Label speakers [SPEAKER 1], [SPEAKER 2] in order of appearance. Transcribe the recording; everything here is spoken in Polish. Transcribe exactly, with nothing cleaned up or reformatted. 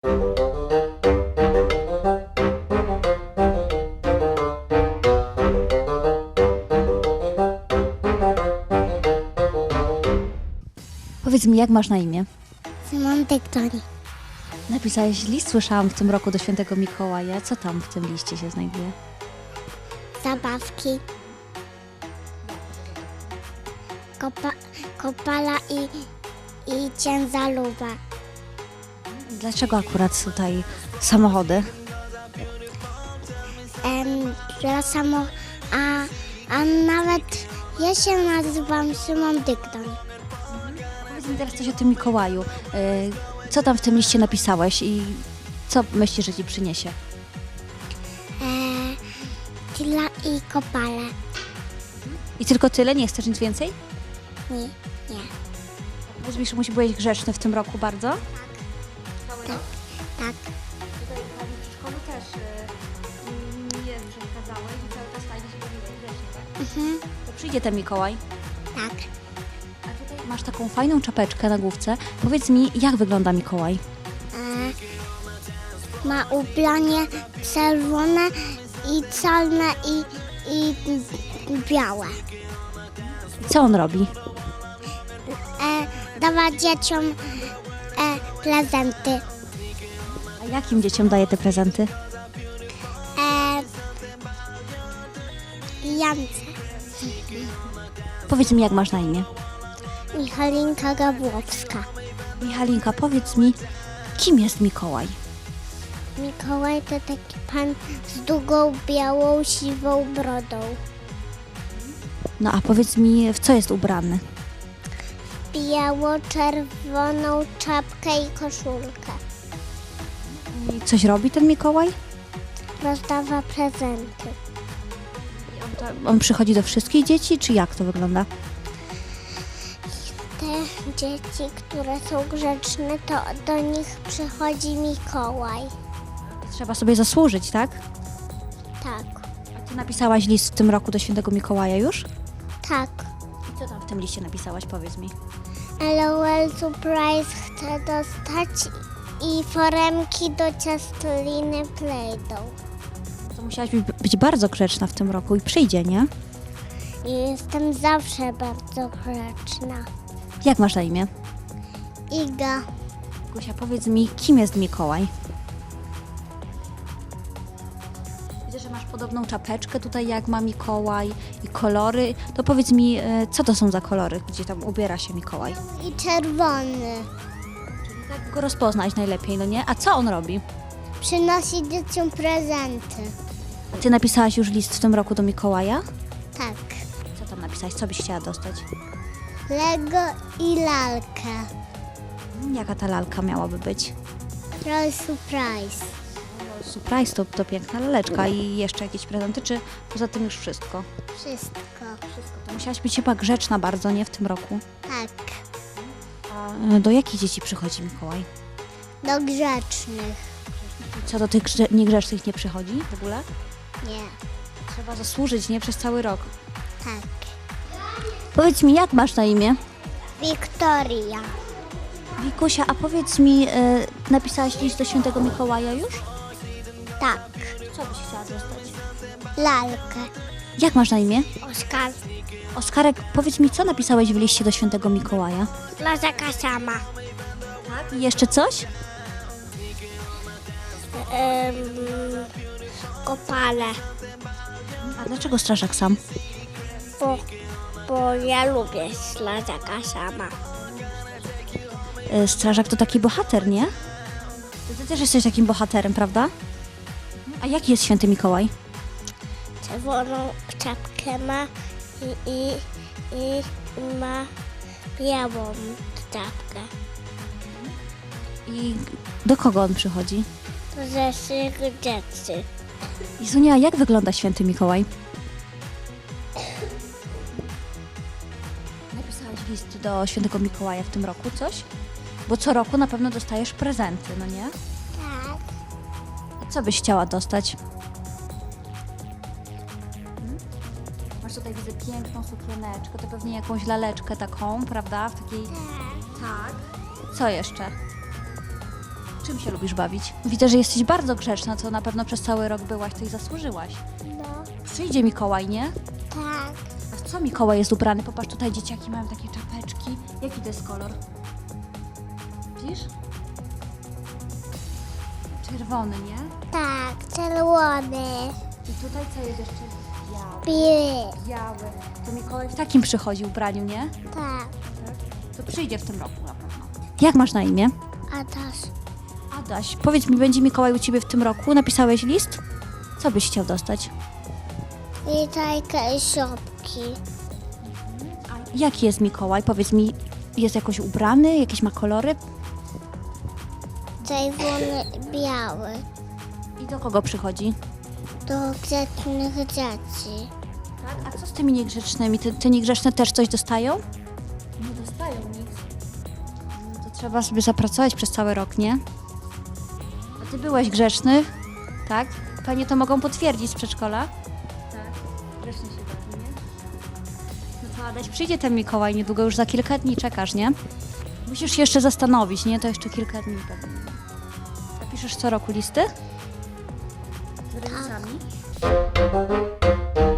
[SPEAKER 1] Powiedz mi, jak masz na imię?
[SPEAKER 2] Szymon Dyktoni.
[SPEAKER 1] Napisałeś list, słyszałam, w tym roku do świętego Mikołaja. Co tam w tym liście się znajduje?
[SPEAKER 2] Zabawki. Kopa, kopala i, i ciężarówka.
[SPEAKER 1] Dlaczego akurat tutaj samochody?
[SPEAKER 2] Em, dla samo, a, a nawet ja się nazywam Szymon Dykton.
[SPEAKER 1] Powiedz mi teraz coś o tym Mikołaju. Yy, Co tam w tym liście napisałeś i co myślisz, że ci przyniesie?
[SPEAKER 2] E, tila i kopale.
[SPEAKER 1] I tylko tyle? Nie chcesz nic więcej?
[SPEAKER 2] Nie, nie.
[SPEAKER 1] Powiedz mi, że musi byłeś grzeczny w tym roku bardzo?
[SPEAKER 2] Tak, tak.
[SPEAKER 1] Tutaj w szkole też nie przeszkadzałeś i cały czas fajnie się bawiłeś grzecznie, tak?
[SPEAKER 2] Mhm,
[SPEAKER 1] To przyjdzie ten Mikołaj.
[SPEAKER 2] tak.
[SPEAKER 1] A tutaj masz taką fajną czapeczkę na główce. Powiedz mi, jak wygląda Mikołaj?
[SPEAKER 2] E, ma ubranie czerwone i czarne i, i białe.
[SPEAKER 1] Co on robi?
[SPEAKER 2] E, dawa dzieciom e, prezenty.
[SPEAKER 1] A jakim dzieciom daje te prezenty?
[SPEAKER 2] E, Jance.
[SPEAKER 1] Powiedz mi, jak masz na imię?
[SPEAKER 2] Michalinka Gabłowska.
[SPEAKER 1] Michalinka, powiedz mi, kim jest Mikołaj?
[SPEAKER 2] Mikołaj to taki pan z długą, białą, siwą brodą.
[SPEAKER 1] No a powiedz mi, w co jest ubrany?
[SPEAKER 2] Biało-czerwoną czapkę i koszulkę.
[SPEAKER 1] I coś robi ten Mikołaj?
[SPEAKER 2] Rozdawa prezenty.
[SPEAKER 1] On przychodzi do wszystkich dzieci, czy jak to wygląda?
[SPEAKER 2] Te dzieci, które są grzeczne, to do nich przychodzi Mikołaj.
[SPEAKER 1] Trzeba sobie zasłużyć, tak?
[SPEAKER 2] Tak,
[SPEAKER 1] A ty napisałaś list w tym roku do świętego Mikołaja już?
[SPEAKER 2] tak.
[SPEAKER 1] I co tam w tym liście napisałaś, powiedz mi?
[SPEAKER 2] LOL Surprise chcę dostać i foremki do ciastoliny Play-Doh.
[SPEAKER 1] To musiałaś być, być bardzo grzeczna w tym roku i przyjdzie, nie?
[SPEAKER 2] I jestem zawsze bardzo grzeczna.
[SPEAKER 1] Jak masz na imię?
[SPEAKER 2] Iga.
[SPEAKER 1] Gosia, powiedz mi, kim jest Mikołaj? Widzę, że masz podobną czapeczkę tutaj, jak ma Mikołaj i kolory. To powiedz mi, e, co to są za kolory, gdzie tam ubiera się Mikołaj?
[SPEAKER 2] I czerwony.
[SPEAKER 1] Tak go rozpoznać najlepiej, no nie? A co on robi?
[SPEAKER 2] Przynosi dzieciom prezenty.
[SPEAKER 1] A ty napisałaś już list w tym roku do Mikołaja?
[SPEAKER 2] Tak.
[SPEAKER 1] Co tam napisałaś? Co byś chciała dostać?
[SPEAKER 2] Lego i lalkę.
[SPEAKER 1] Mm, Jaka ta lalka miałaby być?
[SPEAKER 2] LOL Surprise.
[SPEAKER 1] Surprise, to, to piękna laleczka i jeszcze jakieś prezenty, czy poza tym już wszystko?
[SPEAKER 2] Wszystko.
[SPEAKER 1] To musiałaś być chyba grzeczna bardzo, nie? W tym roku.
[SPEAKER 2] Tak.
[SPEAKER 1] A e, do jakich dzieci przychodzi Mikołaj?
[SPEAKER 2] Do grzecznych.
[SPEAKER 1] Co, do tych grze- niegrzecznych nie przychodzi w ogóle?
[SPEAKER 2] Nie.
[SPEAKER 1] Trzeba zasłużyć, nie? Przez cały rok.
[SPEAKER 2] Tak.
[SPEAKER 1] Powiedz mi, jak masz na imię?
[SPEAKER 2] Wiktoria.
[SPEAKER 1] Wikusia, a powiedz mi, e, napisałaś list do świętego Mikołaja już?
[SPEAKER 2] Tak.
[SPEAKER 1] Co byś chciała dostać?
[SPEAKER 2] Lalkę.
[SPEAKER 1] Jak masz na imię?
[SPEAKER 2] Oskar.
[SPEAKER 1] Oskarek, powiedz mi, co napisałeś w liście do świętego Mikołaja?
[SPEAKER 2] Lazaka sama.
[SPEAKER 1] Tak. I jeszcze coś?
[SPEAKER 2] Um, kopale.
[SPEAKER 1] A dlaczego strażak sam?
[SPEAKER 2] Bo, bo ja lubię lazaka sama.
[SPEAKER 1] E, strażak to taki bohater, nie? To ty też jesteś takim bohaterem, prawda? A jaki jest święty Mikołaj?
[SPEAKER 2] Czerwoną czapkę ma i, i, i ma białą czapkę.
[SPEAKER 1] I do kogo on przychodzi?
[SPEAKER 2] To ze wszystkich dzieci.
[SPEAKER 1] Izunia, jak wygląda święty Mikołaj? Napisałaś list do świętego Mikołaja w tym roku, coś? Bo co roku na pewno dostajesz prezenty, no nie?
[SPEAKER 2] Tak.
[SPEAKER 1] A co byś chciała dostać? Hmm? Masz tutaj, widzę, piękną sukieneczkę, to pewnie jakąś laleczkę taką, prawda? W takiej... Tak. Co jeszcze? Czym się lubisz bawić? Widzę, że jesteś bardzo grzeczna, to na pewno przez cały rok byłaś, to i zasłużyłaś.
[SPEAKER 2] No,
[SPEAKER 1] Przyjdzie Mikołaj, nie?
[SPEAKER 2] tak.
[SPEAKER 1] A w co Mikołaj jest ubrany? Popatrz, tutaj dzieciaki mają takie czapeczki. Jaki to jest kolor? Widzisz? Czerwony, nie?
[SPEAKER 2] Tak, czerwony,
[SPEAKER 1] I tutaj co jest jeszcze? Biały.
[SPEAKER 2] biły.
[SPEAKER 1] Biały. To Mikołaj w takim przychodzi ubraniu, nie?
[SPEAKER 2] Tak,
[SPEAKER 1] To przyjdzie w tym roku na pewno. Jak masz na imię?
[SPEAKER 2] a też
[SPEAKER 1] Adaś, powiedz mi, będzie Mikołaj u Ciebie w tym roku? Napisałeś list? Co byś chciał dostać?
[SPEAKER 2] witajka i szopki.
[SPEAKER 1] Jaki jest Mikołaj? Powiedz mi, jest jakoś ubrany? Jakieś ma kolory?
[SPEAKER 2] Czerwony, biały.
[SPEAKER 1] I do kogo przychodzi?
[SPEAKER 2] Do grzecznych dzieci.
[SPEAKER 1] Tak? A co z tymi niegrzecznymi? Te, te niegrzeczne też coś dostają? Nie dostają nic. No to trzeba sobie zapracować przez cały rok, nie? A Ty byłeś grzeczny, tak? Panie to mogą potwierdzić z przedszkola? Tak. Grzecznie się bawi, nie? No to Adaś, przyjdzie ten Mikołaj niedługo, już za kilka dni czekasz, nie? Musisz się jeszcze zastanowić, nie? To jeszcze kilka dni pewnie. Napiszesz co roku listy? Z rodzicami?